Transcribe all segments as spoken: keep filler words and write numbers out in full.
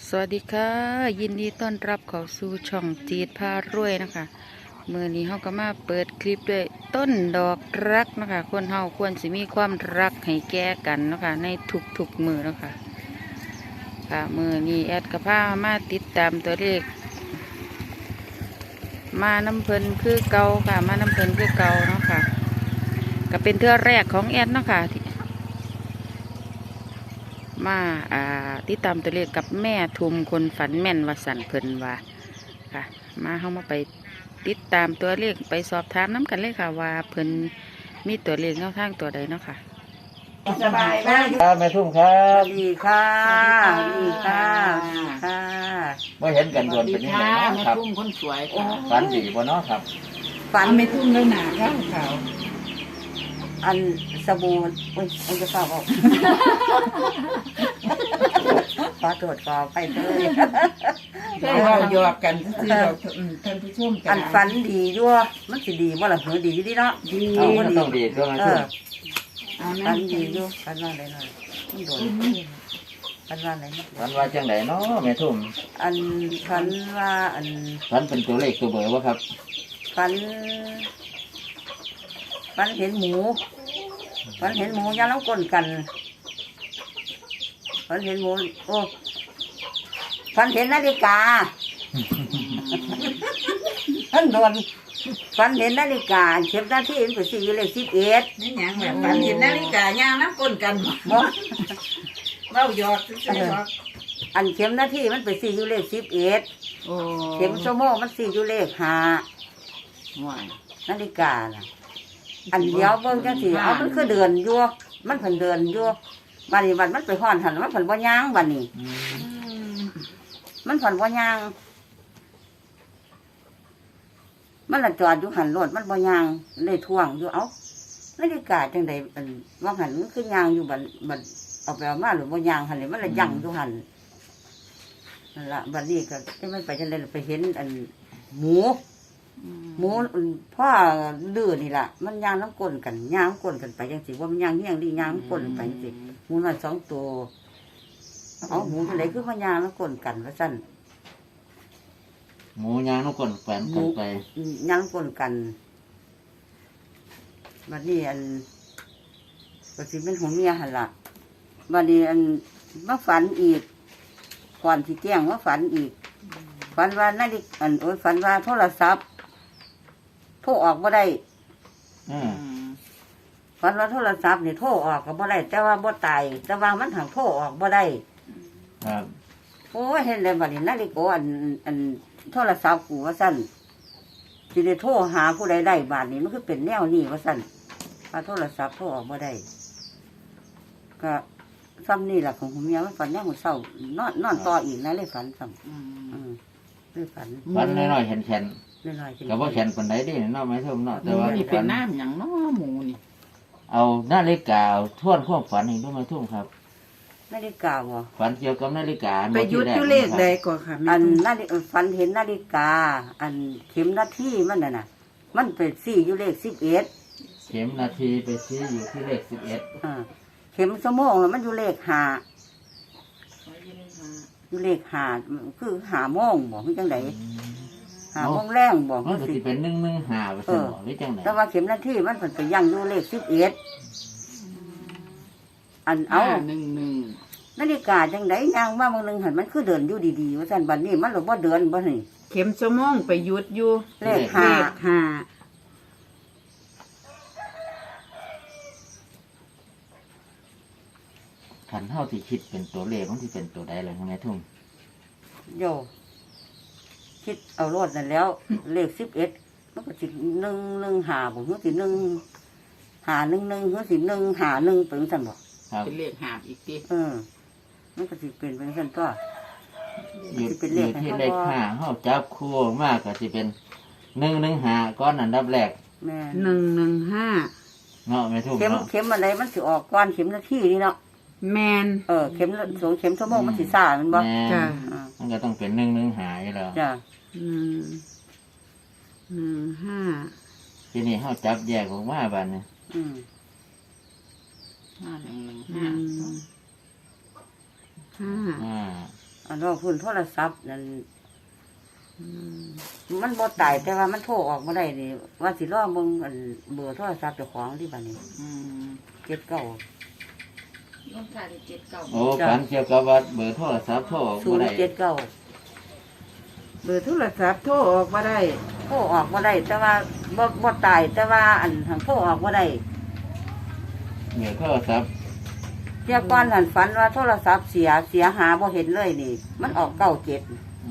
สวัสดีค่ะยินดีต้อนรับเข้าสู่ช่องจีดพารวยนะคะเมื่อนี้เฮาก็มาเปิดคลิปด้วยต้นดอกรักนะคะคนเฮาควรสิมีความรักให้แก่กันนะคะในทุกๆมือนะคะค่ะมือนี้แอดกับพามาติดตามตัวเลขมาน้ำเพลินคือเก่าค่ะมาน้ำเพลินคือเก่าเนาะค่ะก็เป็นเทื่อแรกของแอดเนาะค่ะมาอ่าติดตามตัวเลขกับแม่ทุมคนฝันแม่นวสันเพิ่นว่าค่ะมาเข้ามาไปติดตามตัวเลขไปสอบถามน้ำกันเลยค่ะว่าเพิ่นมีตัวเลขแนวทางตัวใดเนาะค่ะสบายมากครับแม่ทุ่มครับดีค่ะดีค่ะดีค่ะไม่เห็นกันโดนเป็นยังไงค่ะเนาะแม่ครับทุ่มคนสวยค่ะฝันดีบ่เนาะครับฝันไม่ทุ่มแล้วหนาข้าวขาวอันสบู่อุ้ยอันจะฝากบอกขอตรวจสอบไปเลยใช่ว่าหยอกกันซื้อเราท่านผู้ชมกัอันฝันดีด้วยมันสิดีว่าหลังเหอดีดีเนาะดีเอามันต้องดีด้วยแม่เอทุ่อมเอาฝันั่นนดีด้วยฝันว่าอะไรหน่อยมันโดนฝันว่าอะไรนะฝันว่าจังไดเนาะแม่ทุ่มอันฝันว่าอันฝันเป็นตัวเลขตัวเบอร์วะครับฝันฝันเห็นหมูฝันเห็นหมูย่างน้ำก้นกันฝันเห็นหมูโอ้ฝันเห็นนาฬิกา ท่านโดนฝันเห็นนาฬิกาเข็มหน้าที่เห็นไปสี่เลขสิบเอ็ดนี่หยังแบบฝันเห็นนาฬิกาย่างน้ำก้นกันบ่เล่าหยอกซื้อหยอกอันเข็มหน้าที่มันไปสี่อยู่เลขสิบเอ็ดโอ้เข็มชั่วโมงมันสี่อยู่เลขห้าห่วยนาฬิกาน่ะอันเดียวเบิ่งจังสิเอามันคือเดือนอยู่มันเพิ่นเดือนอยู่บัดนี้บัดมันไปฮ้อนหันมันเพิ่นบ่ย่างบัดนี้ มันเพิ่นบ่ย่าง มันละจอดอยู่หันรถมันบ่ย่างเลยท่วงอยู่เอ้านาฬิกาจังได๋อันว่าหันมันคือย่างอยู่บัดบัดเอาไปเอามาหรือบ่ย่างหันนี่มันละยั่งอยู่หันนั่นล่ะบัดนี้ก็ที่มันไปจังได๋ไปเห็นอันหมูหมูพ่อดื้อนี่ล่ะมันย่างน้ำก้นกันย่างก้นกันไปจังซี่ว่ามันย่างเฮียงดีย่างก้นไปจังซี่หมูน้อยสองตัวเอาหมูจังได๋คือมันย่างน้ำก้นกันว่าซั่นหมูย่างน้ำก้นแฝนกันไปย่างก้นกันบัดนี้อันก็สิเป็นหัวเมียหั่นล่ะบัดนี้อันมาฝันอีกก่อนสิแจ้งว่าฝันอีกฝันว่านาฬิกาอันโอ้ยฝันว่าโทรศัพท์โทรออกบ่ได้อืมฝันว่าโทรศัพท์นี่โทรออกก็บ่ได้แต่ว่าบ่ตายแต่ว่ามันหังโทรออกบ่ได้ครับโอ้ยเห็นเลยบัดนี้นาฬิกาอันอันโทรศัพท์กูว่าซั่นสิได้โทรหาผู้ใดได้บาดนี้มันคือเป็นแนวนี้ว่าซั่นว่าโทรศัพท์โทรออกบ่ได้ก็ซ้ำนี่แหละของผมเมียมันฝันแนวมื้อเช้านอนนอนต่ออีกนะเลยฝันซ้ำอืมเลยฝันฝันน้อยๆแข็งน้อยๆๆกับว่าแข็งปานใดเดิเนาะแม่ทุ่มเนาะหแต่มูว่านี่เป็ฝันนน้ำหยังเนาะหมูนี่เอานาฬิกาทวนความฝันให้ด้วยแม่ทุ่มครับนาฬิกาบ่ฝันเกี่ยวกับนาฬิกาไปยุดอยู่เลขใดก่อนค่ะแม่อันทุ่มนาฬิฝันเห็นนาฬิกา อันเข็มนาทีมันน่ะน่ะ มันเป็นสี่อยู่เลขสิบเอ็ดเข็มนาทีไปชี้อยู่ที่เลขสิบเอ็ดอ่าเข็มสมองแล้วมันอยู่เลขห้าอยู่เลขห้าคือห้าโมงบ่คือจังไดห้าโมงแรงบ่มันคือก็สิสิเป็นหนึ่งหนึ่งหาไปสมองหรือจังไหนแต่ว่าเข็มนาทีมันเป็นไปยังอยู่เลขสิบเอ็ดอันเอาหนึ่งหนึ่งนาฬิกาจังไดย่างว่าบางนึงหันมันคือเดินอยู่ดีๆว่าซั่นบัดนี้มันหรือบ่เดินบ่นี่เข็มสมองไปยุดอยู่เลขห้าเลขห้าขันเท่าที่คิดเป็นตัวเลขมันที่เป็นตัวใดเลยแม่ทุ่มโยคิดเอารถนั่นแล้ว เลขสิบเอ็ดมันก็สิหนึ่งหนึ่งหาบ่มันสิหนึ่งหาหนึ่งหนึ่งมันสิหนึ่งหาหนึ่งเป็นซั่นบ่ครับเป็นเลขหาบอีกทีเออมันก็สิเป็นเป็นซั่นตัวอยู่สิเป็นเลอยู่ขให้ที่เขาเลขบ่ห้าเฮาจับคู่มากก็สิเป็นหนึ่งหนึ่งหาก้อนอันดับแรกแม่หนึ่งหนึ่งห้าเนาะแม่ทุ่มเข็มเนาะเข็มอะไรมันสิออกก่อนเข็มนาทีนี่เนาะแมนเออเข็มละสองเข็มชั่วโมงมันสิซ่าแมันบ่แม่จ้ะอ่ามันก็ต้องเป็นหนึ่งหนึ่งหาอยู่แล้วจ้ะหนึ่งหนึ่งห้าทีนี้เฮาจับแยกออกมาบัดนี้อืมห้าหนึ่งหนึ่งอืห้ามห้าอ่าอันว่าพื้นโทรศัพท์นั่นมันบ่ตายแต่ว่ามันโทรออกมาได้นี่ว่าสิรอมึงอันเบอร์โทรศัพท์เจ้าของที่บ้านนี้อืมเจ็ดเก้าลงท้ายด้วยเจ็ดเก้าโอ้ฝันเกี่ยวกับว่าเบอร์โทรศัพท์โทรออกศูบ่นได้ย์เจ็ดเก้าเบอร์โทรศัพท์โทรออกมาได้โทรออกมาได้ แต่ว่าบ่บ่ตายแต่ว่าอันทางโทรออกมาได้เบอร์โทรศัพท์เที่ยก้อนหันฝันว่าโทรศัพท์เสียเสียหาบ่เห็นเลยนี่ มันออกเก้าเจ็ด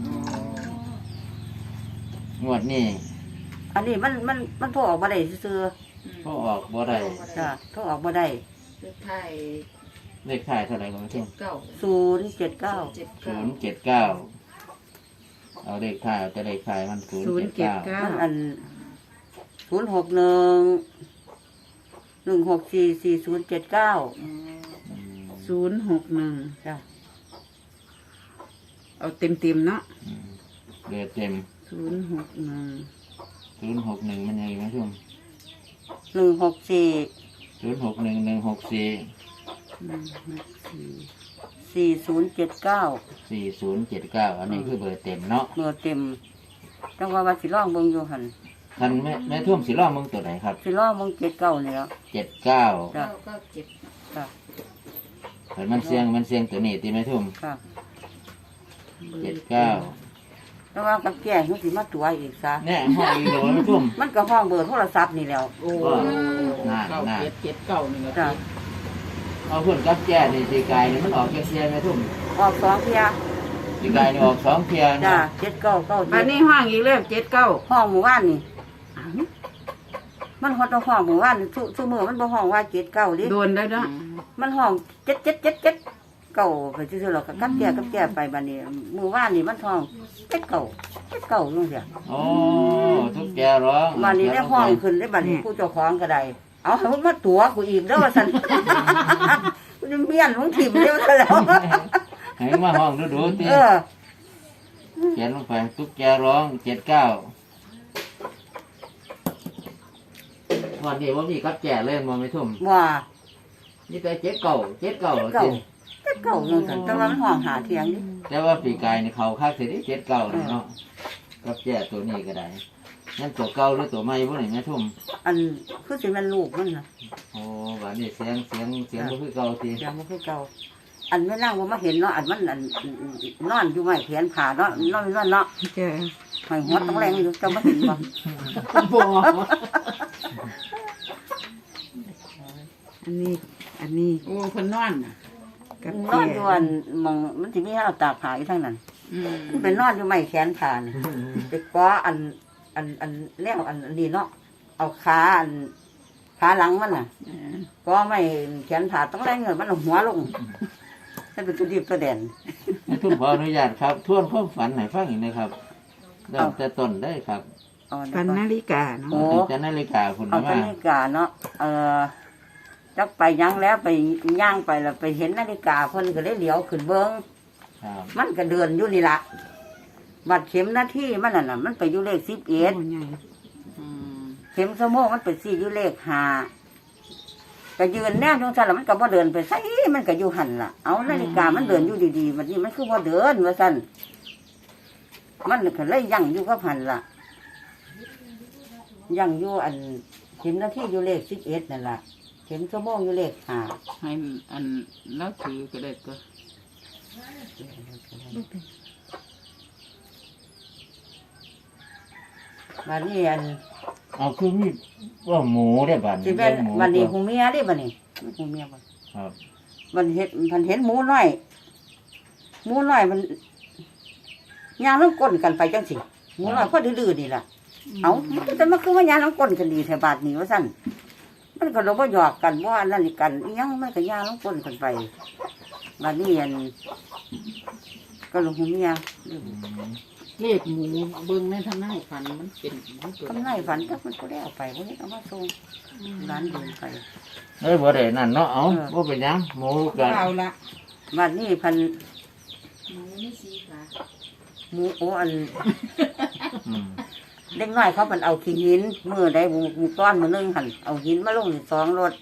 งวดนี้อันนี้มันมันมันโทรออกมาได้ซื่อโทรออกบ่ได้ๆจ้ะโทรออกมาได้เลขไทายเลขท้ายเท่าไหร่ก็ไม่เจ็รู้ดเก้าศูนย์เจ็ดเก้าเจ็ดศูเก้านย์เจ็ดเก้าเอาเลขท้ายเอาแต่เลขท้ายมันศูนย์ศูนเจ็ย์ดเจ็ดเก้าเก้ามันอันศูนย์หกหนึ่งหนึ่งหกสี่สี่ศูนย์เจ็ดเก้าศูนย์หกหนึ่งจ้ะเอาเต็มเต็มๆเนาะเดือเต็มศูนย์หกหนึ่งศูนย์หกหนึ่งมันยังไงนะช่วงหนึ่งหกสี่ศูนย์หกหนึ่งหนึ่งหกสี่หนึ่งหกสี่สี่ศูนย์เจ็ดเก้าสี่ศูนย์เจ็ดเก้าอันนี้คือเบอร์เต็มเนาะเบอร์เต็มจังว่าว่าสิร้องเบิ่งอยู่หันคันแม่แม่ทุ่มสีล่องมึงตัวไหนครับสิร้องเบิ่งเจ็ดเก้านี่แล้วเจ็ดเก้าจ้ะเก้าเก้าเจ็ดจ้ะเห็นมันเสียงมันเสียงตัวนี้ตีแม่ทุ่มค่ะเจ็ดเก้าแต่ว่ากับแก่มันสิมาตัวอีกซะเนี่ยห้องอีโหลแม่ทุ่มมันก็ห้องเบอร์โทรศัพท์นี่แล้วโอ้น่าเก้าน่าเจ็ดเจ็ดเก้านี่แหละจ้ะเอาเพื่อนกับแก่นี่ตีกายนี่มันออกแค่เทียแม่ทุ่มออกสองเที่ยตีกายนี่ออกสองเทียจ้ะนะเจ็ดเก้าเก้าบัเจ็ดดนี้ห้างอีกแล้วเจ็ดเก้าห้องหมู่บ้านนี่อ้าวมันฮอดเอาห้องหมู่บ้านซุซุมื้อมันบ่ห้องว่าเจ็ดเก้าดิโดนได้เนาะมันห้องเจ็ดเจ็ดเจ็ดเจ็ดเก่าไปซื่อๆหรอกก็กับแก่กับแก่ไปบัดนี้หมู่บ้านนี่มันห้องเจ็ดเก่าเจ็ดเก่าจังซี่โอ้ทุกแกร้องบัดนี้ได้ห้องขึ้นได้บัดนี้ผู้เจ้าของก็ได้เอาให้มันมาตัวกูอีกเด้อว่าซั่น กูจะเมียนของถิ่มเดียวซะแล้วให้มาห้องดูดูตีเออเขียนลงไปทุกแกร้องเจ็ดเก้าวันนี้ว่ามีกับแก่เล่นมองไม่ทุ่มว่านี่แต่เจ็ดเก่าเจ็ดเก่าเก่าจริงเจ็ดเก่าจังซั่นแต่ว่ามันห้องหาเถียงนี่แต่ว่าปีกายนี่เขาคักเสียดิเจ็ดเก่าเลยเนาะกับแก่ตัวนี้ก็ได้นั่นตัวเก่าหรือตัวใหม่พวกนี้แม่ทุ่มอันคือสิมันลูกมันน่ะโอ้วันนี้เสียงเสียงเสียงก็คือเก่าทีเสียงบ่คือเก่าอันไม่นั่งว่ามาเห็นเนาะอันมันอันนอนอยู่ไม้เขียนผ่าเนาะนอนนอนเนาะจ้ะหอยหัวต้องแรงอยู่จะมาเห็นบ่บ่อันนี้ อันนี้โอ้เพิ่นนอนน่ะกับนแก่อนอยู่อันมองมันสิมีให้เอาตากผ้าอยู่ทางนั้นอืมมันเป็นนอนอยู่ไม้แขนผ่านี่ไปก้ออันอันอันแนวอันอันนี้เนาะเอาขาอันขาหลังมันน่ะเออก็ไม่แขนผ่าต้องแรงเงินมันเอาหัวลงนั่นเป็นตัวดีตัวแดนแม่ทุ่มขออนุญาตครับทวนความฝันให้ฟังอีกนะครับเริ่มแต่ต้นได้ครับเอาปันเดี๋ยวก่อนนาฬิกาเนาะโอ้ตั้งแต่นาฬิกาคุณเอามานาฬิกาเนาะเออจักไปยังแล้วไปย่างไปแล้วไปเห็นนาฬิกาเพิ่นก็เลยเหลียวขึ้นเบิ้งครับมันก็เดินอยู่นี่ละบัดเข็มหน้าที่มันน่ะนะมันไปอยู่เลขสิบเอ็ดโอ้ใหญ่อืมเข็มสมองมันไปสี่อยู่เลขห้าก็ยืนแนวจงซั่นแล้วมันก็บ่เดินไปไสมันก็อยู่หันล่ะเอานาฬิกามันเดินอยู่ดีๆบัดนี้มันคือบ่เดินว่าซั่นมันก็เลยยั่งอยู่กับหันล่ะยั่งอยู่อันเข็มหน้าที่อยู่เลขสิบเอ็ดนั่นล่ะเข็มสมองอยู่เลขห้าให้อันแล้วถือก็ได้ก็บัดนี้อันเอาคือมีว่าหมูได้บัดสิเป็นหมูวันนี้ตัวหูเมียเดิบัดนี้หูเมียบ่ครับมันเห็นมันเห็นหมูน้อยหมูน้อยมันย่างน้ำก้นกันไปจังสิหมูน้อยพอดื้อๆนี่ล่ะเอามันจะมาคือว่าย่างน้ำก้นกันดีแถวบาทนี้ว่าสั่นมันก็เราบ่หยอกกันว่านั่นนี่กันอิหยังมันก็ย่างน้ำก้นกันไปบัดนี้อันก็ลงหูเมียอืมเลขหมูเบิ่งในทางหน้าฝันมันเป็นมันตัวทำไรฝันถ้ามันก็ได้เอาไปวันนี้เอามาส่งร้านเดินไปเอ้ยบ่ได้นั่นเนาะเอาเออบ่เป็นหยังหมูกันเอาละบัดนี้พันหมูไม่สีขาหมูโออันอืมเด็กน้อยเขาเป็นเอาขี้หินมือได้หมูหมูก้อนมือนึงหันเอาหินมาลงสองรถ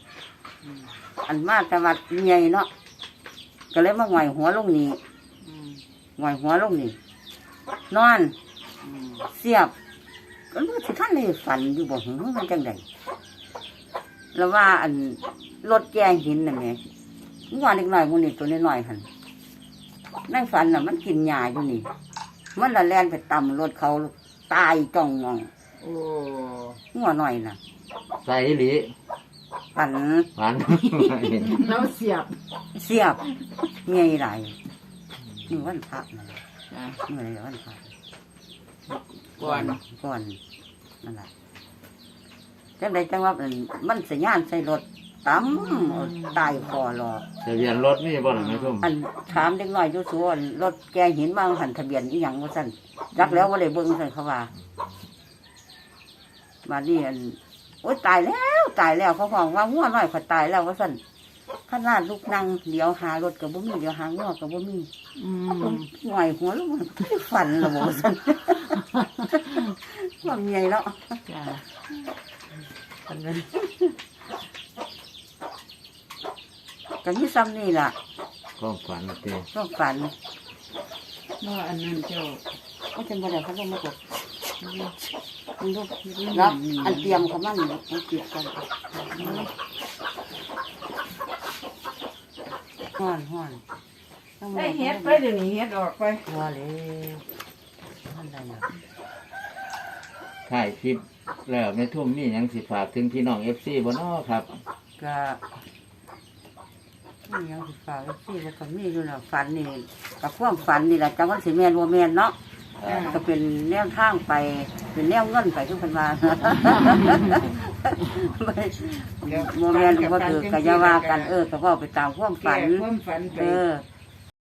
อันมาแต่วัดใหญ่เนาะก็เลยมาหงอยหัวลงนี่อืมหหงอยหัวลงนี่นอนเสียบก็รู้สิท่านเลยฝันอยู่บ่หึมันจังไดแล้วว่าอันรถแกงหินน่ะแม่งัวเล็กน้อยมื้อนี้ตัวน้อยๆหั่นในฝันน่ะมันกินหญ้าอยู่นี่มันละแล่นไปตำรถเขาตายจ้องงองโอ้งัวน้อยน่ะใส่อีหลีฝันหวานแล้วเสียบเสียบใหญ่หลายนี่วันพระนั่นจ้ะเมื่อไรวันพระก่อนก่อนนั่นแหละจังใดจังว่ามันมันสัญญาณใส่รถตั้มตายคอรอทะเบียนรถนี่บ่หรอแม่ทุ่มอันถามเด็กน้อยอยู่สวนรถแกหินบางหันทะเบียนอีหยังว่าสั่นรักแล้วว่าเลยเบิ่งสั่นเขาว่ามานี่อันโอ๊ยตายแล้วตายแล้วเขาบอกว่างัวน้อยขอยตายแล้วว่าสั่นขนาดลูกนั่งเดี๋ยวหารถกับบ่มีเดี๋ยวหางัวกับบ่มีอืมหน่อยหัวลูกมันฝันละโมสั่นความใหญ่แล้วจ้ะฝันนั้นก็มีซ้ำนี่ล่ะความฝันเต้ก็ฝันว่าอันนั้นเจ้าก็จะมาได้เขาลงมากดมันลูกแล้วอันเตรียมเขามั่งมันเตรียมกันห้อนห้อนได้เฮ็ดไปเดี๋ยวนี้เฮ็ดออกไปหัวเลยท่านใดน่ะถ่ายคลิปแล้วแม่ทุ่มมีหยังสิฝากถึงพี่น้อง เอฟ ซี บ่น้อครับก็นี่ยังสิฝากไว้ที่แล้วก็มีอยู่น่ะฝันนี่กับความฝันนี่แหละจังวันสิแม่นบ่แม่นเนาะก็เป็นแนวทางไปเป็นแนวเงินไปทุกคนมาโมเมนต์ก็ถือกะยาว่ากันเออก็เว่าไปตามความฝันแก้ความฝันไปเออ